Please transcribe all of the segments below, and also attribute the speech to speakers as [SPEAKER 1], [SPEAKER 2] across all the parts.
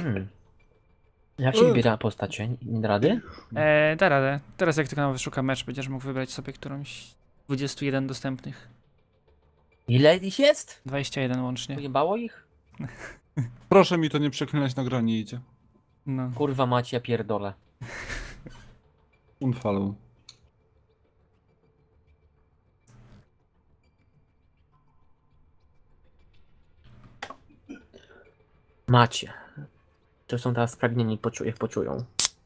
[SPEAKER 1] Jak się wybiera postacie? Nie da rady?
[SPEAKER 2] Da radę. Teraz jak tylko wyszuka mecz, będziesz mógł wybrać sobie którąś z 21 dostępnych.
[SPEAKER 1] Ile ich jest?
[SPEAKER 2] 21 łącznie.
[SPEAKER 1] Pojebało ich?
[SPEAKER 3] Proszę mi to nie przeklinać, nagranie idzie.
[SPEAKER 2] No.
[SPEAKER 1] Kurwa macie, ja pierdolę.
[SPEAKER 3] Unfollow.
[SPEAKER 1] Macie. To są teraz spragnieni, jak poczują.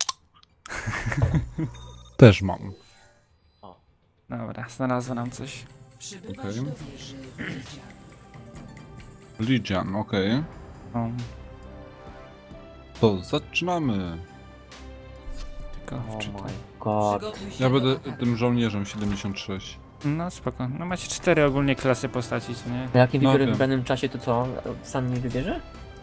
[SPEAKER 3] Też mam.
[SPEAKER 2] Dobra, znalazło nam coś.
[SPEAKER 3] Okej. Legion, okej.
[SPEAKER 2] O,
[SPEAKER 3] To zaczynamy.
[SPEAKER 2] tylko
[SPEAKER 1] Oh
[SPEAKER 2] wczytam.
[SPEAKER 1] my god.
[SPEAKER 3] Ja będę tym żołnierzem 76.
[SPEAKER 2] No spoko. No macie 4 ogólnie klasy postaci, co nie?
[SPEAKER 1] A jakim
[SPEAKER 3] No
[SPEAKER 1] wybiorę w
[SPEAKER 3] wiem.
[SPEAKER 1] wybranym czasie, to co? Sam nie wybierze?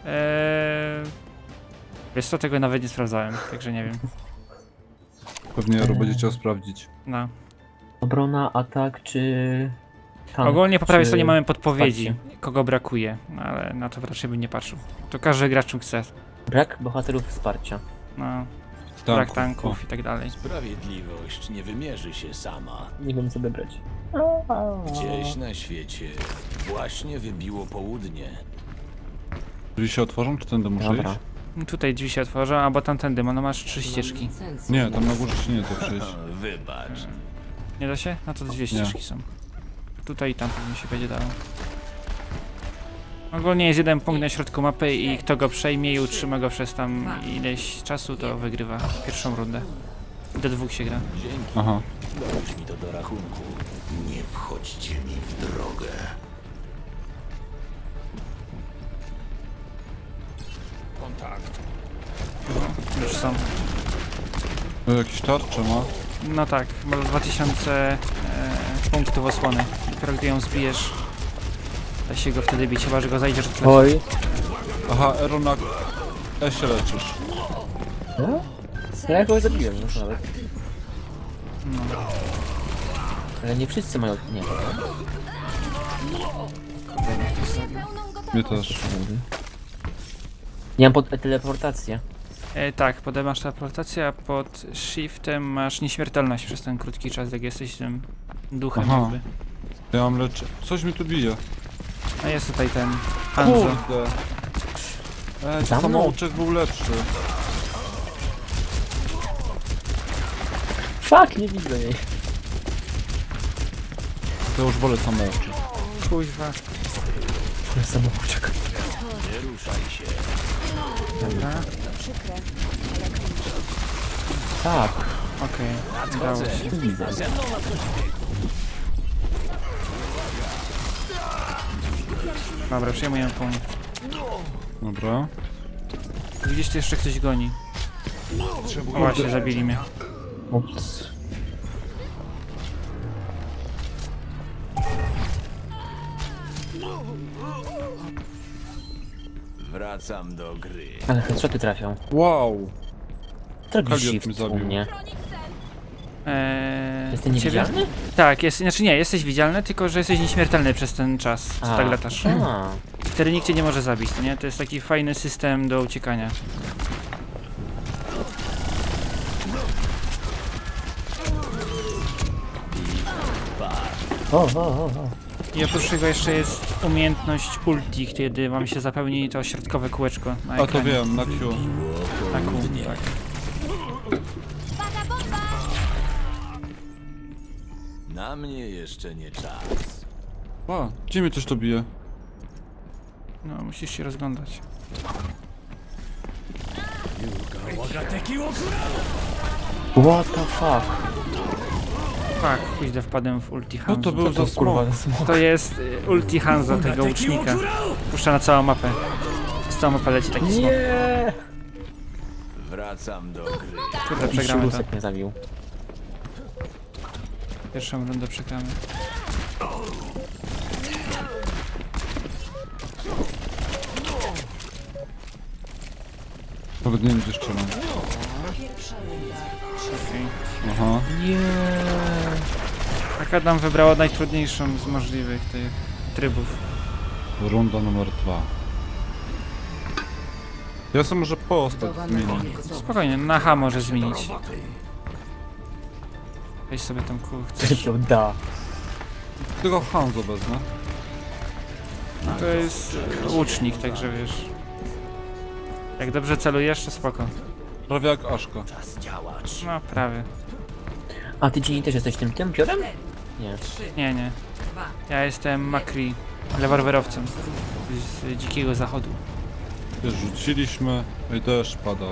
[SPEAKER 2] Wiesz co, tego nawet nie sprawdzałem, także nie wiem.
[SPEAKER 3] Pewnie Jaro będzie chciał sprawdzić.
[SPEAKER 2] No.
[SPEAKER 1] Obrona, atak czy... tank,
[SPEAKER 2] Ogólnie po prawej
[SPEAKER 1] czy
[SPEAKER 2] stronie mamy podpowiedzi,
[SPEAKER 1] wsparcie?
[SPEAKER 2] kogo brakuje, no ale na to raczej bym nie patrzył. To każdy gracz chce.
[SPEAKER 1] Brak bohaterów wsparcia.
[SPEAKER 2] No,
[SPEAKER 3] Tak.
[SPEAKER 2] brak tanków i tak dalej.
[SPEAKER 4] Sprawiedliwość nie wymierzy się sama.
[SPEAKER 1] Nie wiem co wybrać.
[SPEAKER 4] Gdzieś na świecie właśnie wybiło południe.
[SPEAKER 3] Drzwi się otworzą, czy tędy muszę
[SPEAKER 1] Dobra.
[SPEAKER 3] iść?
[SPEAKER 2] No tutaj drzwi się otworzą, albo tamtędy, no masz 3 ścieżki.
[SPEAKER 3] Nie, tam na górze się nie da przejść.
[SPEAKER 4] Wybacz.
[SPEAKER 2] Nie da się? No to 2 ścieżki są. Tutaj i tam pewnie się będzie dało. Ogólnie jest jeden punkt na środku mapy i kto go przejmie i utrzyma go przez tam ileś czasu, to wygrywa pierwszą rundę. Do 2 się gra.
[SPEAKER 4] Dzięki.
[SPEAKER 3] Aha.
[SPEAKER 4] Dorzuć mi to do rachunku. Nie wchodźcie mi w drogę. Kontakt.
[SPEAKER 2] Już są.
[SPEAKER 3] To jakieś tarcze ma?
[SPEAKER 2] No tak, ma 2000 punktów osłony. Dopiero gdy ją zbijesz, da się go wtedy bić, chyba że go zajdziesz od pleców.
[SPEAKER 1] Oj.
[SPEAKER 3] Aha, Ero na E się leczysz.
[SPEAKER 1] No? Ja jakoś zabiłem już nawet.
[SPEAKER 2] No.
[SPEAKER 1] Ale nie wszyscy mają... Nie.
[SPEAKER 3] Mnie też.
[SPEAKER 1] Nie mam pod teleportację.
[SPEAKER 2] Tak, potem masz teleportację, a pod shiftem masz nieśmiertelność przez ten krótki czas, jak jesteś tym duchem
[SPEAKER 3] Aha.
[SPEAKER 2] jakby.
[SPEAKER 3] Ja mam leczy... Coś mi tu bije.
[SPEAKER 2] A jest tutaj ten Hanzo.
[SPEAKER 3] Kurde.
[SPEAKER 1] Za mną?
[SPEAKER 3] Samouczek był lepszy.
[SPEAKER 1] Fuck, nie widzę jej.
[SPEAKER 3] To już wolę samouczek.
[SPEAKER 2] Kuźwa.
[SPEAKER 1] Samouczek.
[SPEAKER 4] Nie ruszaj się.
[SPEAKER 2] Dobra,
[SPEAKER 1] Tak,
[SPEAKER 2] okej, udało się.
[SPEAKER 1] nie widzę.
[SPEAKER 2] Dobra, przejmuję punkt.
[SPEAKER 3] Dobra.
[SPEAKER 2] Widzisz, tu jeszcze ktoś goni. O właśnie, zabili mnie.
[SPEAKER 1] Ups.
[SPEAKER 4] Wracam do gry.
[SPEAKER 1] Ale headshoty trafią.
[SPEAKER 3] Wow.
[SPEAKER 1] Co robisz
[SPEAKER 3] Kaliot
[SPEAKER 1] shift
[SPEAKER 3] mnie
[SPEAKER 1] u
[SPEAKER 3] zabił.
[SPEAKER 1] mnie? Jesteś
[SPEAKER 2] ciebie?
[SPEAKER 1] niewidzialny?
[SPEAKER 2] Tak, znaczy nie, jesteś widzialny, tylko że jesteś nieśmiertelny przez ten czas, co tak latasz.
[SPEAKER 1] A.
[SPEAKER 2] Wtedy nikt cię nie może zabić, to nie? To jest taki fajny system do uciekania.
[SPEAKER 1] O.
[SPEAKER 2] I oprócz tego jeszcze jest umiejętność ulti, kiedy wam się zapełni to środkowe kółeczko na
[SPEAKER 3] A to
[SPEAKER 2] ekranie.
[SPEAKER 3] wiem, na Q.
[SPEAKER 2] Na kół, tak.
[SPEAKER 4] Na mnie jeszcze nie czas.
[SPEAKER 3] A, gdzie mnie coś to bije?
[SPEAKER 2] No, musisz się rozglądać.
[SPEAKER 1] What the fuck?
[SPEAKER 2] Tak, pójdę wpadłem w ulti
[SPEAKER 3] No
[SPEAKER 2] Hanzo.
[SPEAKER 3] to był za smok.
[SPEAKER 2] To jest ulti Hanzo, tego łucznika. Puszcza na całą mapę. Z całą mapę leci taki smok.
[SPEAKER 1] Nie!
[SPEAKER 4] Wracam do gry.
[SPEAKER 2] Kurde, przegramy to.
[SPEAKER 1] Rusek mnie zabił.
[SPEAKER 2] Pierwszą rundę przegramy.
[SPEAKER 3] Nawet nie wiem gdzie strzelam.
[SPEAKER 2] Okej.
[SPEAKER 3] Aha.
[SPEAKER 1] Nie.
[SPEAKER 2] Akadam wybrała najtrudniejszą z możliwych tych trybów.
[SPEAKER 3] Runda numer 2. Ja sobie może postać zmienię.
[SPEAKER 2] Spokojnie, na H może zmienić. Weź sobie tam chcesz.
[SPEAKER 1] To da.
[SPEAKER 3] Tylko Hanzo wezmę.
[SPEAKER 2] To jest łucznik, także wiesz. Jak dobrze celujesz, to spoko.
[SPEAKER 3] Prawie jak Aszka.
[SPEAKER 2] No, prawie.
[SPEAKER 1] A ty Ginny też jesteś tym piorem? Nie.
[SPEAKER 2] Nie. Ja jestem Makri, rewolwerowcem z Dzikiego Zachodu.
[SPEAKER 3] Też rzuciliśmy i deszcz pada.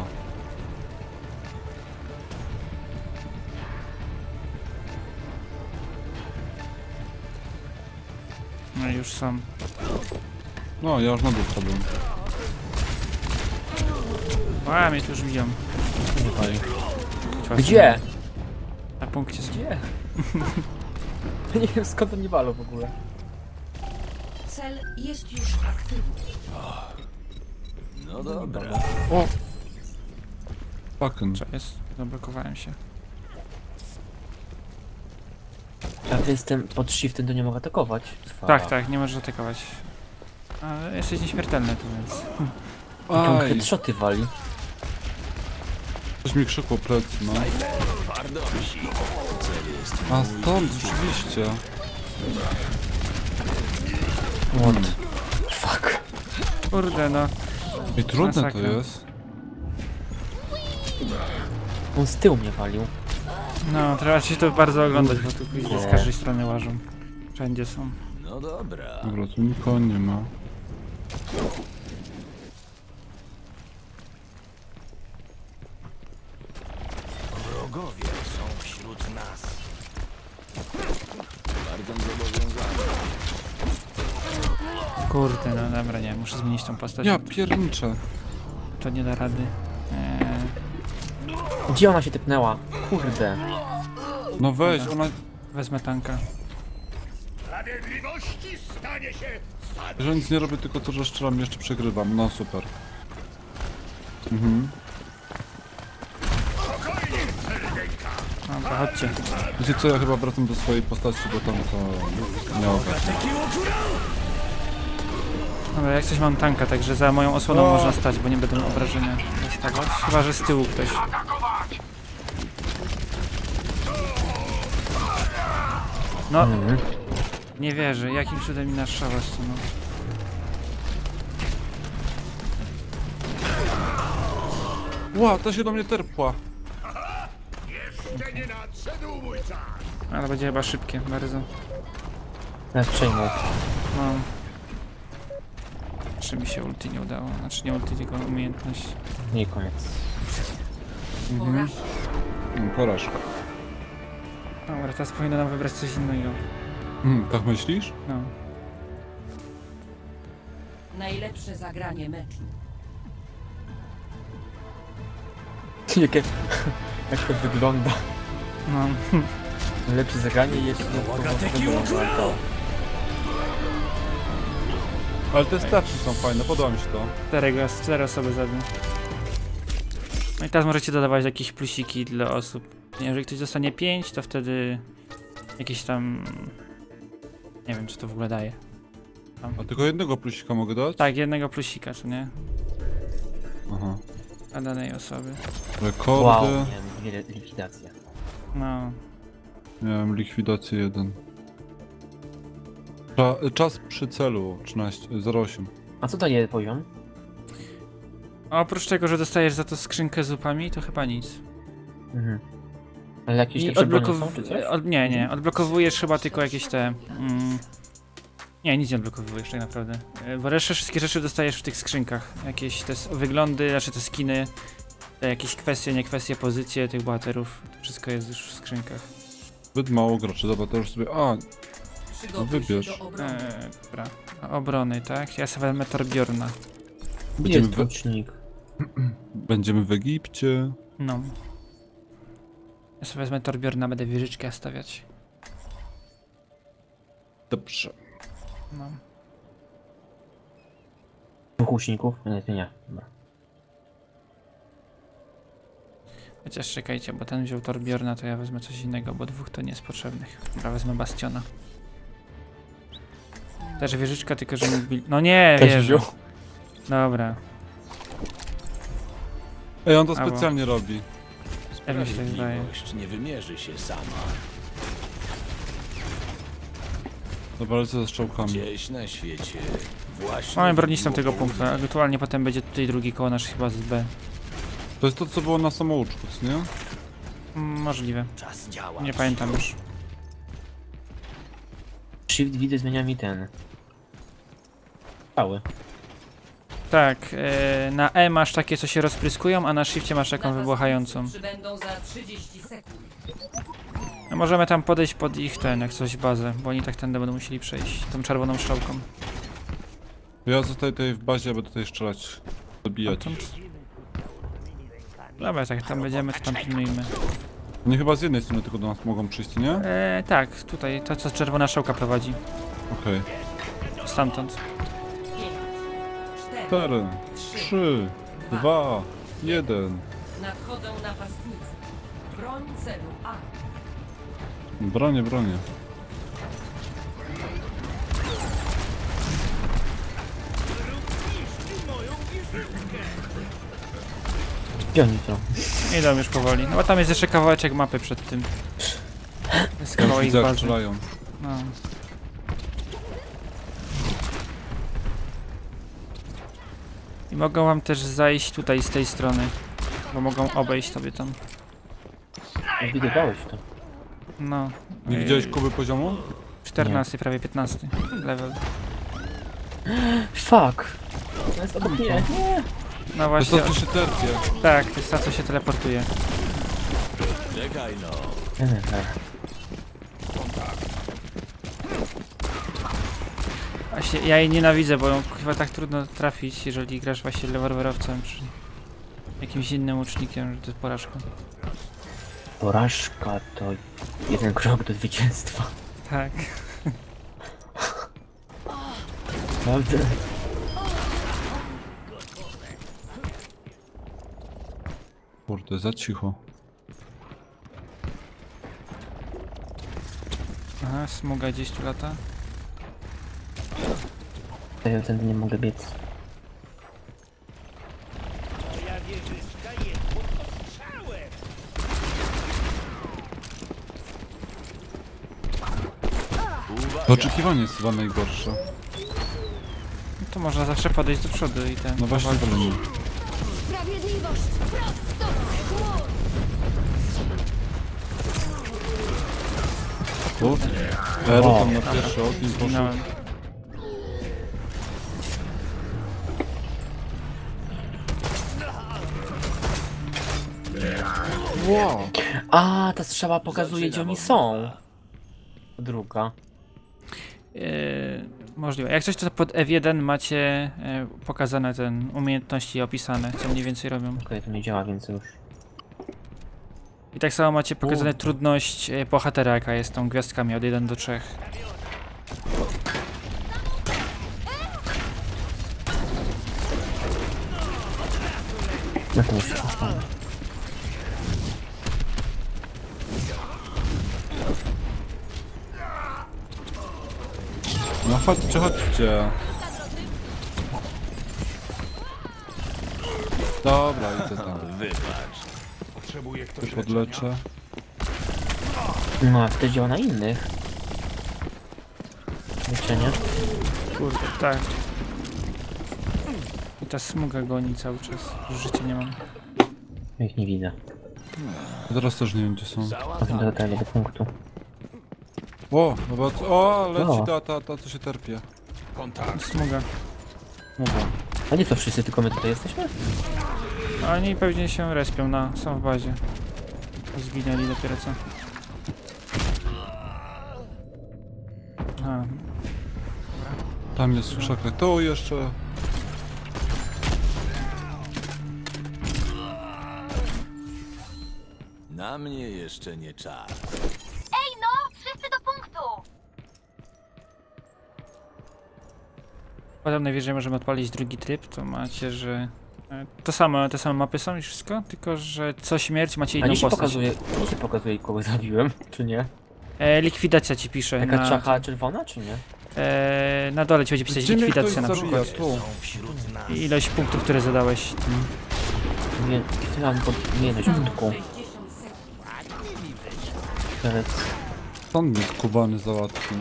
[SPEAKER 2] No i już są.
[SPEAKER 3] No, ja już na dół spadłem.
[SPEAKER 2] A, mnie tu już biją.
[SPEAKER 1] Gdzie?
[SPEAKER 2] Na punkcie są.
[SPEAKER 1] Gdzie? Nie wiem skąd oni walą w ogóle.
[SPEAKER 5] Cel jest już aktywny.
[SPEAKER 4] No dobra.
[SPEAKER 3] O! Fucking.
[SPEAKER 2] Co jest? Zablokowałem się.
[SPEAKER 1] A ty jestem pod shiftem, to nie mogę atakować.
[SPEAKER 2] Tak, nie możesz atakować. Ale jesteś nieśmiertelny tu, więc...
[SPEAKER 1] Jak on
[SPEAKER 3] Aj,
[SPEAKER 1] headshoty wali.
[SPEAKER 3] coś mi krzykło plecy, no. A stąd, rzeczywiście.
[SPEAKER 1] What? Fuck.
[SPEAKER 2] Kurde, no.
[SPEAKER 3] I trudne to
[SPEAKER 2] Masakra.
[SPEAKER 3] jest.
[SPEAKER 1] On z tyłu mnie walił.
[SPEAKER 2] No, trzeba się to bardzo oglądać, bo tu później z każdej strony łażą. Wszędzie są.
[SPEAKER 4] No dobra.
[SPEAKER 3] Dobra, tu nikogo nie ma.
[SPEAKER 4] Wrogowie są wśród nas. Bardzo zobowiązany.
[SPEAKER 2] Kurde, no dobra, nie, muszę zmienić tą postać.
[SPEAKER 3] Ja pierniczę.
[SPEAKER 2] To nie da rady.
[SPEAKER 1] Gdzie ona się typnęła? Kurde.
[SPEAKER 3] No weź, ona...
[SPEAKER 2] Wezmę tanka.
[SPEAKER 3] Że nic nie robię, tylko to, że strzelam, jeszcze przegrywam. No super. Mhm.
[SPEAKER 2] Dobra, chodźcie.
[SPEAKER 3] Wiecie co, ja chyba wracam do swojej postaci, bo tam to miało być.
[SPEAKER 2] Dobra, jak coś mam tanka, także za moją osłoną można stać, bo nie będą obrażenia dostawać. Chyba, że z tyłu ktoś. No, nie wierzę, jakim cudem mi naszała no.
[SPEAKER 3] Ła, to się do mnie terpła.
[SPEAKER 2] Ale będzie chyba szybkie, bardzo.
[SPEAKER 1] Ja przejmę.
[SPEAKER 2] No. Czy mi się ulti nie udało? Znaczy nie ulti, tylko umiejętność.
[SPEAKER 1] Nie koniec.
[SPEAKER 3] Porażka.
[SPEAKER 2] Dobra, teraz powinno nam wybrać coś innego.
[SPEAKER 3] Tak myślisz?
[SPEAKER 2] No.
[SPEAKER 5] Najlepsze zagranie meczu.
[SPEAKER 1] Jak to wygląda?
[SPEAKER 2] No.
[SPEAKER 1] Lepsze zagranie jest
[SPEAKER 3] Ale te stawki są fajne, podoba mi się to.
[SPEAKER 2] Cztery osoby zabił. No i teraz możecie dodawać jakieś plusiki dla osób. Jeżeli ktoś dostanie 5, to wtedy jakieś tam... Nie wiem, czy to w ogóle daje.
[SPEAKER 3] A tylko jednego plusika mogę dać?
[SPEAKER 2] Tak, jednego plusika, co nie?
[SPEAKER 3] Aha.
[SPEAKER 2] Dla danej osoby.
[SPEAKER 3] Rekordy.
[SPEAKER 1] Wow, miałem likwidację.
[SPEAKER 2] No.
[SPEAKER 3] Miałem likwidację 1. Czas przy celu 13:08.
[SPEAKER 1] A co daje poziom?
[SPEAKER 2] A oprócz tego, że dostajesz za to skrzynkę z zupami, to chyba nic.
[SPEAKER 1] Mhm. Ale jakieś
[SPEAKER 2] I
[SPEAKER 1] lepsze broni są, czy coś?
[SPEAKER 2] Nie, odblokowujesz chyba tylko jakieś te... nie, nic nie odblokowujesz tak naprawdę. Bo resztę wszystkie rzeczy dostajesz w tych skrzynkach. Jakieś te wyglądy, znaczy te skiny, te jakieś kwestie, nie kwestie, pozycje tych bohaterów. To wszystko jest już w skrzynkach.
[SPEAKER 3] Zbyt mało graczy, dobra, to już sobie... A, wybierz.
[SPEAKER 2] Dobra. Obrony, tak? Ja sobie wezmę Torbjorna.
[SPEAKER 1] Gdzie jest tłucznik?
[SPEAKER 3] Będziemy w Egipcie.
[SPEAKER 2] No. Ja sobie wezmę Torbjorna, będę wieżyczkę stawiać.
[SPEAKER 3] Dobrze.
[SPEAKER 2] No.
[SPEAKER 1] Dwóch łuczników? Nie. Dobra.
[SPEAKER 2] Chociaż czekajcie, bo ten wziął Torbjorna, to ja wezmę coś innego, bo dwóch to nie jest potrzebnych. Dobra, wezmę Bastiona. Też wieżyczka, tylko że mógł... No nie,
[SPEAKER 1] Też
[SPEAKER 2] wierzę.
[SPEAKER 1] wziął.
[SPEAKER 2] Dobra.
[SPEAKER 3] Ej, on to
[SPEAKER 2] Albo-
[SPEAKER 3] specjalnie robi.
[SPEAKER 2] Ja mi się tak wydaje.
[SPEAKER 4] Sprawiedliwość nie wymierzy się sama.
[SPEAKER 3] Dobra, lecę ze strzałkami.
[SPEAKER 4] Gdzieś na świecie właśnie...
[SPEAKER 2] Mamy bronić tam tego
[SPEAKER 4] wybuchł
[SPEAKER 2] punktu. Aktualnie potem będzie tutaj drugi koło naszej bazy B.
[SPEAKER 3] To jest to, co było na samouczku, co nie?
[SPEAKER 2] Możliwe.
[SPEAKER 4] Czas działa.
[SPEAKER 2] Nie pamiętam już.
[SPEAKER 1] Shift widzę zmienia mi ten. Cały.
[SPEAKER 2] Tak, na E masz takie, co się rozpryskują, a na shifcie masz taką
[SPEAKER 5] Napastnicy
[SPEAKER 2] wybuchającą.
[SPEAKER 5] Przybędą za 30 sekund.
[SPEAKER 2] No możemy tam podejść pod ich jak coś bazę, bo oni tak tędy będą musieli przejść tą czerwoną strzałką.
[SPEAKER 3] Ja zostaję tutaj w bazie, aby tutaj strzelać. Dobijać.
[SPEAKER 2] Dobra, tak tam będziemy, to tam pilnujmy.
[SPEAKER 3] Oni chyba z jednej strony tylko do nas mogą przyjść, nie?
[SPEAKER 2] Tak, tutaj, to co czerwona strzałka prowadzi.
[SPEAKER 3] Okej.
[SPEAKER 2] Stamtąd.
[SPEAKER 5] 4,
[SPEAKER 3] 4, 3, 2, 1.
[SPEAKER 5] Nadchodzą napastnicy. Broń celu A.
[SPEAKER 3] Bronię, bronię.
[SPEAKER 1] Gdzie oni są?
[SPEAKER 2] Idą już powoli. No bo tam jest jeszcze kawałeczek mapy przed tym. Jest
[SPEAKER 3] Ja już
[SPEAKER 2] kawałek
[SPEAKER 3] widzę, jak
[SPEAKER 2] bazy.
[SPEAKER 3] strzelają.
[SPEAKER 2] No. I mogą wam też zajść tutaj z tej strony. Bo mogą obejść sobie tam.
[SPEAKER 1] Widywałeś to.
[SPEAKER 2] No.
[SPEAKER 3] Nie widziałeś Kuby poziomu?
[SPEAKER 2] 14, prawie 15 level.
[SPEAKER 1] Fuck! To jest obok mnie. Nie.
[SPEAKER 2] No
[SPEAKER 3] To jest
[SPEAKER 2] właśnie,
[SPEAKER 3] to, co się terpie.
[SPEAKER 2] tak, to jest ta, co się teleportuje.
[SPEAKER 4] Czekaj no.
[SPEAKER 2] Właśnie, ja jej nienawidzę, bo ją chyba tak trudno trafić, jeżeli grasz właśnie rewolwerowcem czy jakimś innym łucznikiem, że to jest porażka.
[SPEAKER 1] Porażka to jeden krok do zwycięstwa.
[SPEAKER 2] Tak.
[SPEAKER 1] Prawda?
[SPEAKER 3] Kurde, za cicho.
[SPEAKER 2] Aha, smuga gdzieś tu lata.
[SPEAKER 1] Ja tędy nie mogę biec.
[SPEAKER 3] To oczekiwanie jest chyba najgorsze.
[SPEAKER 2] No to można zawsze podejść do przodu i ten.
[SPEAKER 3] No właśnie, ale nie.
[SPEAKER 6] Sprawiedliwość prosto z chmur!
[SPEAKER 3] Kurde. Ero tam na pierwszy ogień poszedł.
[SPEAKER 2] Zginąłem.
[SPEAKER 3] Wow.
[SPEAKER 1] A, ta strzała pokazuje, gdzie oni są. Druga.
[SPEAKER 2] Możliwe. Jak coś to pod F1 macie pokazane ten umiejętności opisane, co mniej więcej robią.
[SPEAKER 1] Okej, to nie działa, więc już.
[SPEAKER 2] I tak samo macie pokazane trudność bohatera, jaka jest tą gwiazdkami od 1 do 3.
[SPEAKER 1] No to już się postawię.
[SPEAKER 3] No chodźcie, chodźcie. Dobra, idę tam.
[SPEAKER 4] Wybacz.
[SPEAKER 3] Się podleczę.
[SPEAKER 1] No, a to działa na innych. Leczenie.
[SPEAKER 2] Kurde, tak. I ta smuga goni cały czas. Już życia nie mam.
[SPEAKER 1] Ja ich nie widzę.
[SPEAKER 3] Ja teraz też nie wiem, gdzie są.
[SPEAKER 1] Potem do tego, do punktu.
[SPEAKER 3] O, zobacz. O, leci
[SPEAKER 1] O.
[SPEAKER 3] ta, co się terpie.
[SPEAKER 2] Smuga.
[SPEAKER 1] Mówię. A nie co, wszyscy tylko my tutaj jesteśmy?
[SPEAKER 2] A oni pewnie się respią są w bazie. Zginęli dopiero co. A,
[SPEAKER 3] Tam jest w krzakach. To jeszcze.
[SPEAKER 4] Na mnie jeszcze nie czas.
[SPEAKER 6] Ej no, wszyscy do punktu!
[SPEAKER 2] potem najwyżej możemy odpalić drugi tryb, to macie, że te same mapy są i wszystko, tylko że co śmierć macie
[SPEAKER 1] A
[SPEAKER 2] inną
[SPEAKER 1] nie się
[SPEAKER 2] postać.
[SPEAKER 1] pokazuje, kogo zabiłem, czy nie?
[SPEAKER 2] Likwidacja ci pisze.
[SPEAKER 1] Taka
[SPEAKER 2] na,
[SPEAKER 1] czacha czerwona, czy nie?
[SPEAKER 2] na dole ci będzie pisać
[SPEAKER 3] Gdzie mnie ktoś
[SPEAKER 2] likwidacja na
[SPEAKER 3] zabija?
[SPEAKER 2] przykład.
[SPEAKER 3] Tu.
[SPEAKER 2] I ilość punktów, które zadałeś tym
[SPEAKER 1] Nie, chciałam podmienić budku.
[SPEAKER 5] 60 sekund.
[SPEAKER 1] Teraz
[SPEAKER 3] Pan mnie skubany załatwił.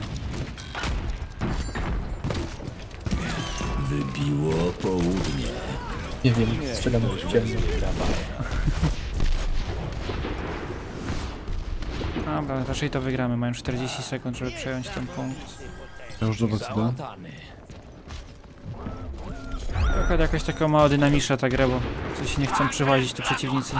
[SPEAKER 4] Wybiło południe.
[SPEAKER 1] nie wiem, strzelam w ciemno.
[SPEAKER 2] Dobra, raczej to wygramy. Mają 40 sekund, żeby przejąć ten punkt.
[SPEAKER 3] Ja już do was idę.
[SPEAKER 2] Trochę jakaś taka mała dynamiczna ta gra, bo coś nie chcą przywozić tu przeciwnicy.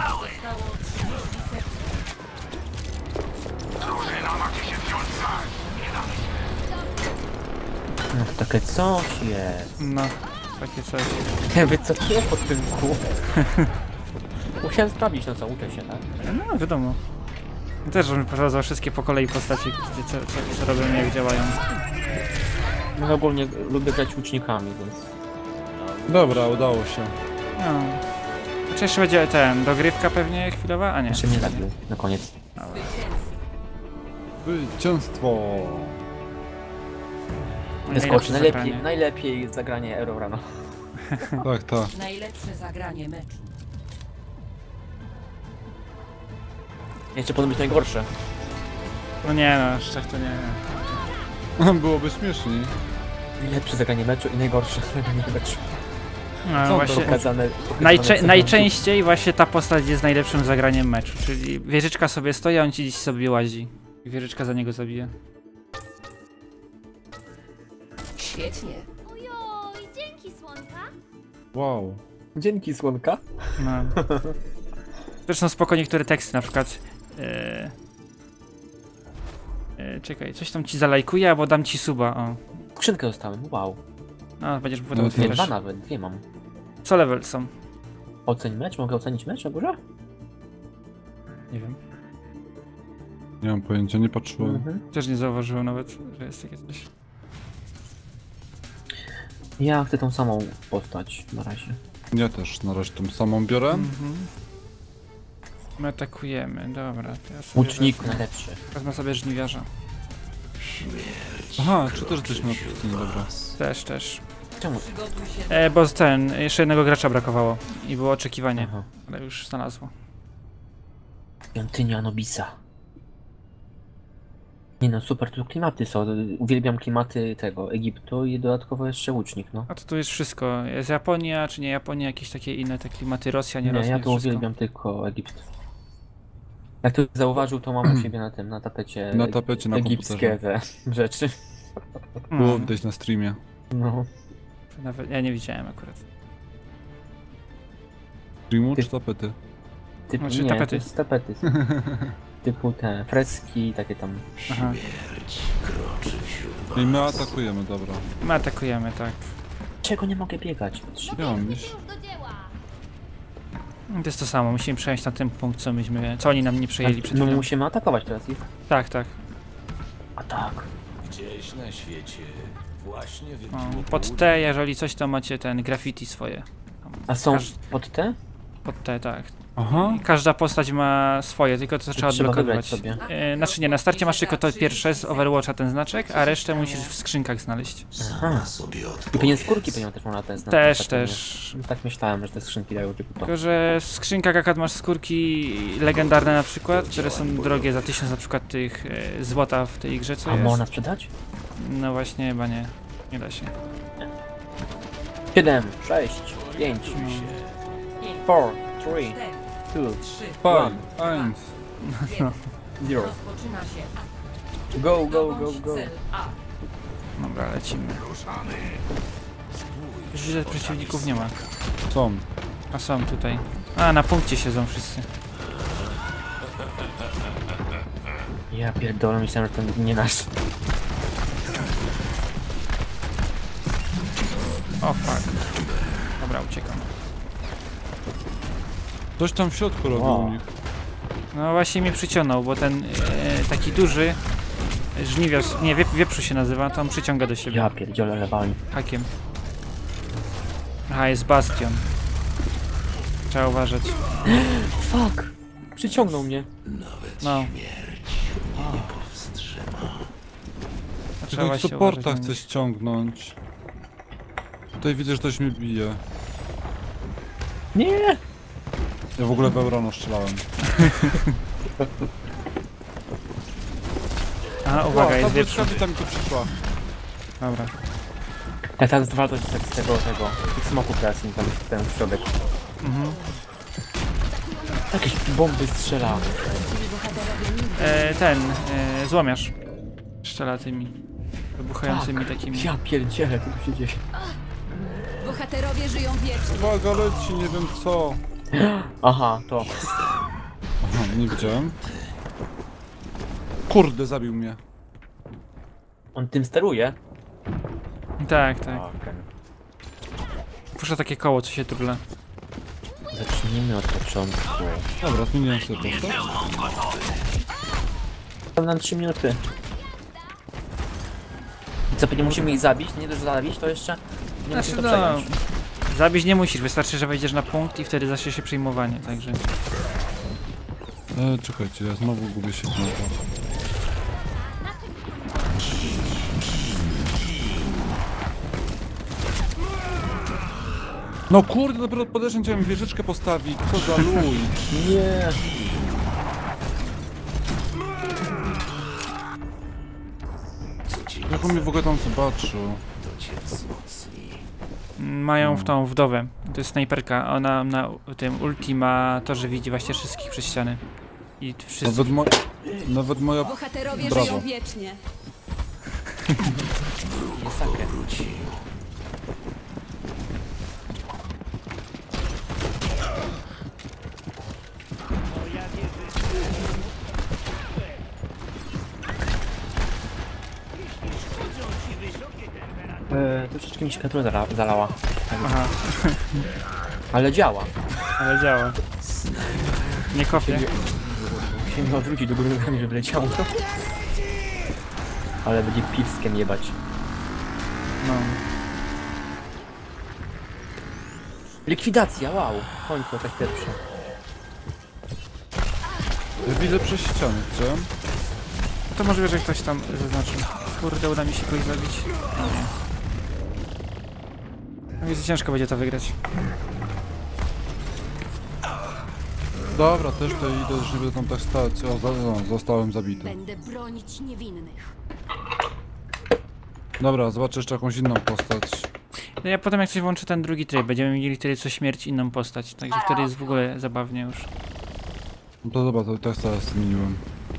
[SPEAKER 1] No to takie coś jest.
[SPEAKER 2] No, takie coś.
[SPEAKER 1] Ja wycofuję pod tym kół. Musiałem sprawdzić, no co, uczę się, tak?
[SPEAKER 2] No, wiadomo. Też bym pokazał wszystkie po kolei postaci, co robią i jak działają.
[SPEAKER 1] No ogólnie lubię grać łucznikami, więc...
[SPEAKER 3] Dobra, udało się.
[SPEAKER 2] No. Czy jeszcze będzie dogrywka pewnie chwilowa? A nie.
[SPEAKER 1] Jeszcze mnie zabił na koniec.
[SPEAKER 3] Zwycięstwo!
[SPEAKER 1] Wyskoczy,
[SPEAKER 2] Najlepsze
[SPEAKER 1] najlepiej,
[SPEAKER 2] zagranie.
[SPEAKER 1] najlepiej zagranie Eurorana.
[SPEAKER 3] Tak, tak.
[SPEAKER 5] Najlepsze zagranie meczu.
[SPEAKER 1] Jeszcze powinno być najgorsze.
[SPEAKER 2] No nie no, aż tak to nie.
[SPEAKER 3] Byłoby śmieszniej.
[SPEAKER 1] Najlepsze zagranie meczu i najgorsze zagranie meczu.
[SPEAKER 2] No
[SPEAKER 3] Co
[SPEAKER 2] właśnie.
[SPEAKER 1] Pokazane
[SPEAKER 2] Najczęściej właśnie ta postać jest najlepszym zagraniem meczu, czyli wieżyczka sobie stoi, a on ci gdzieś sobie łazi. I wieżyczka za niego zabija.
[SPEAKER 5] Świetnie.
[SPEAKER 6] Ojoj, dzięki słonka.
[SPEAKER 3] Wow.
[SPEAKER 1] Dzięki słonka.
[SPEAKER 2] No. Zresztą spoko niektóre teksty, na przykład czekaj, coś tam ci zalajkuję, albo dam ci suba, o.
[SPEAKER 1] Skrzynkę dostałem, wow.
[SPEAKER 2] No, będziesz potem
[SPEAKER 3] No,
[SPEAKER 1] Dwie,
[SPEAKER 2] otwierać.
[SPEAKER 1] dwa nawet, dwie mam.
[SPEAKER 2] Co level są?
[SPEAKER 1] Oceń mecz? Mogę ocenić mecz na górze?
[SPEAKER 2] Nie wiem.
[SPEAKER 3] Nie mam pojęcia, nie patrzyłem.
[SPEAKER 2] Też nie zauważyłem nawet, że jest takie coś.
[SPEAKER 1] Ja chcę tą samą postać na razie.
[SPEAKER 3] Ja też na razie tą samą biorę.
[SPEAKER 2] Mhm. My atakujemy, dobra. To ja sobie
[SPEAKER 1] Łucznik najlepszy.
[SPEAKER 2] wezmę sobie żniwiarza.
[SPEAKER 3] Aha, czy też jesteśmy na pustyni, dobra.
[SPEAKER 2] Też.
[SPEAKER 1] Czemu?
[SPEAKER 5] Przygotuj się
[SPEAKER 2] Bo jeszcze jednego gracza brakowało i było oczekiwanie,
[SPEAKER 1] Aha.
[SPEAKER 2] ale już znalazło.
[SPEAKER 1] Świątynia Anubisa. Nie no, super, tu klimaty są. Uwielbiam klimaty tego Egiptu i dodatkowo jeszcze łucznik, no.
[SPEAKER 2] A to tu jest wszystko. Jest Japonia, czy nie Japonia, jakieś takie inne te klimaty, Rosja, nie
[SPEAKER 1] Nie,
[SPEAKER 2] Rosja,
[SPEAKER 1] ja
[SPEAKER 2] jest
[SPEAKER 1] tu
[SPEAKER 2] wszystko.
[SPEAKER 1] uwielbiam tylko Egipt. Jak ktoś zauważył, to mam u siebie na tapecie
[SPEAKER 3] Na tapecie, na
[SPEAKER 1] egipskie te rzeczy.
[SPEAKER 3] Było widać na streamie.
[SPEAKER 1] No.
[SPEAKER 2] Nawet ja nie widziałem akurat.
[SPEAKER 3] Streamu
[SPEAKER 1] Ty-
[SPEAKER 3] czy tapety?
[SPEAKER 1] Typu,
[SPEAKER 2] Znaczy
[SPEAKER 1] nie,
[SPEAKER 2] tapety.
[SPEAKER 1] to jest tapety. Typu te freski, takie tam.
[SPEAKER 2] Aha.
[SPEAKER 3] I my atakujemy, dobra.
[SPEAKER 2] My atakujemy, tak.
[SPEAKER 1] Czego nie mogę biegać?
[SPEAKER 3] Ja mam iść.
[SPEAKER 6] Już do dzieła.
[SPEAKER 2] To jest to samo, musimy przejąć na ten punkt, co oni nam nie przejęli przed
[SPEAKER 1] No
[SPEAKER 2] chwilą.
[SPEAKER 1] musimy atakować teraz ich.
[SPEAKER 2] Tak.
[SPEAKER 1] A tak.
[SPEAKER 4] Gdzieś na świecie właśnie
[SPEAKER 2] O,
[SPEAKER 4] wybiło
[SPEAKER 2] pod
[SPEAKER 4] południe.
[SPEAKER 2] T, jeżeli coś, to macie ten graffiti swoje.
[SPEAKER 1] A są
[SPEAKER 2] Każ-
[SPEAKER 1] pod te?
[SPEAKER 2] Pod T, tak.
[SPEAKER 3] Aha.
[SPEAKER 2] I każda postać ma swoje, tylko to trzeba
[SPEAKER 1] Trzeba wybrać
[SPEAKER 2] odblokowywać.
[SPEAKER 1] sobie.
[SPEAKER 2] Znaczy nie, na starcie masz tylko to pierwsze z Overwatcha ten znaczek, a resztę musisz w skrzynkach znaleźć.
[SPEAKER 4] Sama sobie
[SPEAKER 1] I
[SPEAKER 4] odpowiedz.
[SPEAKER 1] pewnie skórki pewnie też można te znać.
[SPEAKER 2] Też.
[SPEAKER 1] No, tak myślałem, że te skrzynki dają typu to.
[SPEAKER 2] Tylko, że w skrzynkach akad masz skórki legendarne na przykład, które są drogie za 1000 na przykład tych złota w tej grze, co
[SPEAKER 1] A
[SPEAKER 2] jest.
[SPEAKER 1] można sprzedać?
[SPEAKER 2] No właśnie, chyba nie. Nie da się.
[SPEAKER 1] 7, 6, 5, 4, 3, 2,
[SPEAKER 5] 3.
[SPEAKER 3] Fajn, eins.
[SPEAKER 1] 0.
[SPEAKER 5] Rozpoczyna się atak.
[SPEAKER 1] Go, go, go,
[SPEAKER 5] Zdobądź
[SPEAKER 1] go.
[SPEAKER 5] cel A.
[SPEAKER 2] Dobra, lecimy. Już widzę, przeciwników nie ma.
[SPEAKER 3] Są.
[SPEAKER 2] A są tutaj. A, na punkcie siedzą wszyscy.
[SPEAKER 1] Ja pierdolę, myślałem, że to nie nasz.
[SPEAKER 2] O fuck. Dobra, uciekam.
[SPEAKER 3] Coś tam w środku robił
[SPEAKER 1] Wow.
[SPEAKER 3] u nich.
[SPEAKER 2] No właśnie mnie przyciągnął, bo ten taki duży żniwiarz, nie, wieprzu się nazywa, to on przyciąga do siebie
[SPEAKER 1] Ja pierdziolę lewami.
[SPEAKER 2] hakiem. Aha, jest bastion. Trzeba uważać.
[SPEAKER 1] Fuck! Przyciągnął mnie.
[SPEAKER 2] No. Trzeba
[SPEAKER 3] Tylko
[SPEAKER 2] właśnie
[SPEAKER 3] supporta
[SPEAKER 2] uważać na
[SPEAKER 3] chcę
[SPEAKER 2] nich.
[SPEAKER 3] ściągnąć. Tutaj widzę, że ktoś mnie bije.
[SPEAKER 1] Nie!
[SPEAKER 3] Ja w ogóle w Eurano strzelałem.
[SPEAKER 2] A, uwaga, jest
[SPEAKER 3] ta
[SPEAKER 2] wieprzu.
[SPEAKER 3] błyskawica tam tu przyszła.
[SPEAKER 2] Dobra.
[SPEAKER 1] Ja teraz zwalczać z tego, tych smoków teraz im tam ten środek. Jakieś bomby strzela.
[SPEAKER 2] Złomiarz. Strzela tymi wybuchającymi takimi.
[SPEAKER 1] Ja pierdzielę, co tu się dzieje.
[SPEAKER 6] Bohaterowie żyją wiecznie.
[SPEAKER 3] Uwaga, leci, nie wiem co.
[SPEAKER 1] Aha, to.
[SPEAKER 3] Aha, nie widziałem. Kurde, zabił mnie.
[SPEAKER 1] On tym steruje?
[SPEAKER 2] Tak, tak.
[SPEAKER 1] Okej.
[SPEAKER 2] Puszcza takie koło, co się turla.
[SPEAKER 1] Zacznijmy od początku.
[SPEAKER 3] Dobra, zmieniłem sobie postać.
[SPEAKER 1] Tam nam 3 minuty. I co, nie musimy ich zabić? Nie dość, że zabić, to jeszcze nie musimy to przejąć.
[SPEAKER 2] Zabić nie musisz, wystarczy, że wejdziesz na punkt i wtedy zacznie się przejmowanie, także...
[SPEAKER 3] Czekajcie, ja znowu gubię się znowu. No kurde, dopiero podeszłem, chciałem wieżyczkę postawić, co za luj.
[SPEAKER 1] Nie.
[SPEAKER 3] Jak on mnie w ogóle tam zobaczył?
[SPEAKER 4] To cię wzmocni.
[SPEAKER 2] Mają w tą wdowę, to jest snajperka, ona na tym ulti ma to, że widzi właśnie wszystkich przez ściany. I wszyscy...
[SPEAKER 3] Nawet moja...
[SPEAKER 6] Bohaterowie
[SPEAKER 3] Brawo.
[SPEAKER 6] żyją wiecznie.
[SPEAKER 1] Masakrę. Troszeczkę mi się katura zalała.
[SPEAKER 2] Aha,
[SPEAKER 1] Ale działa.
[SPEAKER 2] ale działa. Nie kopię.
[SPEAKER 1] Musimy mi odwrócić do góry nogami, żeby leciało. Ale będzie piwskiem jebać.
[SPEAKER 2] No.
[SPEAKER 1] Likwidacja, wow. W końcu jakaś pierwsza.
[SPEAKER 3] Ja widzę przez ścianę, chciałem.
[SPEAKER 2] No to możliwe, że ktoś tam zaznaczył. Kurde, uda mi się kogoś zabić. No nie. No więc ciężko będzie to wygrać.
[SPEAKER 3] Dobra, też to idę, już nie będę tam tak stać. O, zostałem zabity.
[SPEAKER 6] Będę bronić niewinnych.
[SPEAKER 3] Dobra, zobaczę jeszcze jakąś inną postać.
[SPEAKER 2] No ja potem jak coś włączę ten drugi tryb, będziemy mieli wtedy co śmierć inną postać. Także wtedy jest w ogóle zabawnie już.
[SPEAKER 3] No to dobra, to też teraz zmieniłem.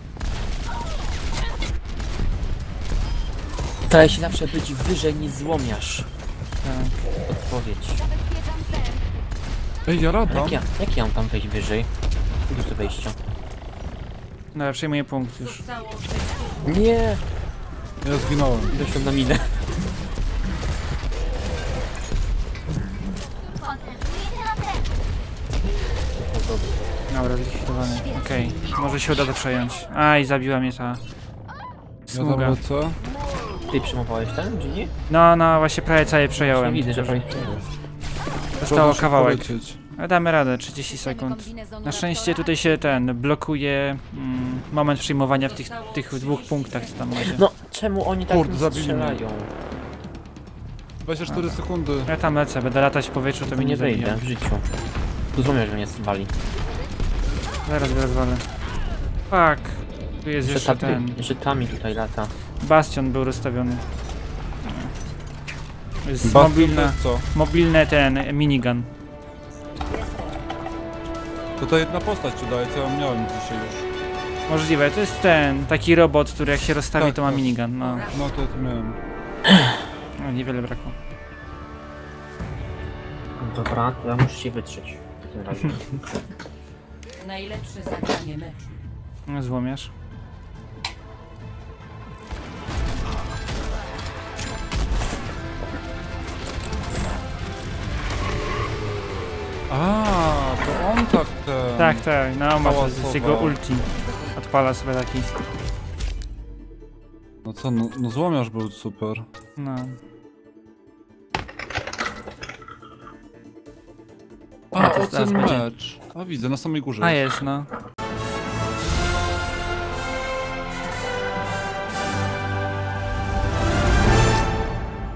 [SPEAKER 1] Staraj się zawsze być wyżej niż złomiarz.
[SPEAKER 2] Tak.
[SPEAKER 1] Odpowiedź.
[SPEAKER 3] Ej, ja radam.
[SPEAKER 1] Jak ja mam tam wejść wyżej? Tu jest wejścia.
[SPEAKER 2] Dobra, przejmuję punkt już.
[SPEAKER 5] Zostało
[SPEAKER 1] Nie!
[SPEAKER 3] Ja zginąłem.
[SPEAKER 1] Doszłem na minę.
[SPEAKER 2] Dobra, zlikwidowany. Okej, może się uda to przejąć. Aj, zabiła mnie ta
[SPEAKER 3] Ja tam
[SPEAKER 2] smuga.
[SPEAKER 3] lecę.
[SPEAKER 1] Ty przyjmowałeś ten, czy nie?
[SPEAKER 2] No, właśnie prawie całe przejąłem.
[SPEAKER 1] Widzę, że prawie przyjmowałeś.
[SPEAKER 2] Zostało
[SPEAKER 3] Szkoda, że
[SPEAKER 2] kawałek.
[SPEAKER 3] polecieć.
[SPEAKER 2] Ale damy radę, 30 sekund. Na szczęście tutaj się blokuje moment przyjmowania w tych dwóch punktach, co tam macie.
[SPEAKER 1] No, czemu oni tak
[SPEAKER 3] Kurde,
[SPEAKER 1] mi
[SPEAKER 3] zabili
[SPEAKER 1] strzelają?
[SPEAKER 3] 24 sekundy.
[SPEAKER 2] Ja tam lecę, będę latać w powietrzu, to
[SPEAKER 1] To
[SPEAKER 2] mnie nie
[SPEAKER 1] wejdę
[SPEAKER 2] zabije.
[SPEAKER 1] w życiu. Tu złomiarz mnie zwali.
[SPEAKER 2] Zaraz go rozwalę. Fuck. Tu jest jeszcze ten.
[SPEAKER 1] Jeszcze tami tutaj lata.
[SPEAKER 2] Bastion był rozstawiony. Jest
[SPEAKER 3] Bastion to jest co?
[SPEAKER 2] mobilny ten minigun.
[SPEAKER 3] To ta jedna postać ci daje, co ja miałem dzisiaj już.
[SPEAKER 2] Możliwe, to jest ten taki robot, który jak się rozstawi,
[SPEAKER 3] Tak,
[SPEAKER 2] to ma
[SPEAKER 3] tak.
[SPEAKER 2] minigun. No,
[SPEAKER 3] No to ja to miałem.
[SPEAKER 2] no niewiele brakło.
[SPEAKER 1] Dobra, to ja muszę się wytrzeć. W takim razie.
[SPEAKER 5] najlepsze zagranie meczu.
[SPEAKER 2] No, złomiarz.
[SPEAKER 3] A, to on tak ten.
[SPEAKER 2] Tak, tak, no ma to
[SPEAKER 3] Hałasowa.
[SPEAKER 2] z jego ulti. Odpala sobie taki.
[SPEAKER 3] No co, no złomiarz był super.
[SPEAKER 2] No.
[SPEAKER 3] A,
[SPEAKER 2] to
[SPEAKER 3] o
[SPEAKER 2] zaraz
[SPEAKER 3] ten
[SPEAKER 2] będzie.
[SPEAKER 3] mecz. A widzę, na samej górze.
[SPEAKER 2] A jest, no.